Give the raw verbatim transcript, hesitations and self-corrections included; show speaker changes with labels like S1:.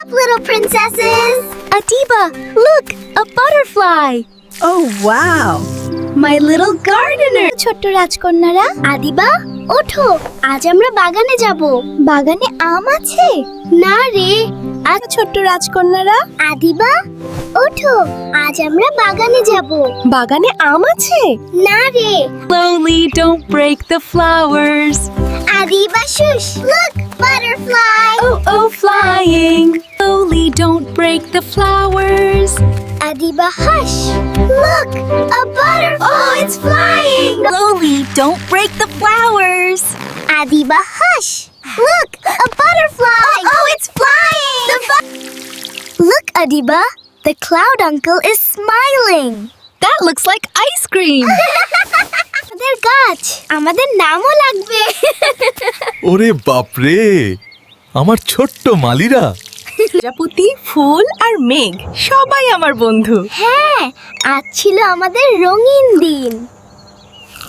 S1: Little princesses! Adiba, look! A butterfly!
S2: Oh wow! My little gardener!
S1: ছোট্ট রাজকন্যারা, আদিবা ওঠো, আজ আমরা বাগানে যাব। বাগানে আম আছে? না রে, আজ
S2: ছোট্ট রাজকন্যারা,
S1: আদিবা ওঠো, আজ আমরা বাগানে যাব।
S2: বাগানে আম আছে?
S1: না রে,
S3: Slowly, don't break the flowers.
S1: Adiba shush, look, butterfly!
S3: Oh, oh, flying. Slowly, don't break the flowers.
S1: Adiba hush, look, a butterfly! Oh, it's flying!
S3: Slowly, don't break the flowers.
S1: Adiba hush, look, a butterfly! Oh, it's flying! The bu- look, Adiba, the cloud uncle is smiling.
S3: That looks like ice cream.
S1: আমাদের গাছ, আমাদের নামও লাগবে।
S4: ওরে বাপরে, আমার ছোট্ট মালিরা।
S2: প্রজাপতি, ফুল আর মেঘ সবাই আমার বন্ধু।
S1: হ্যাঁ, আজ ছিল আমাদের রঙিন দিন।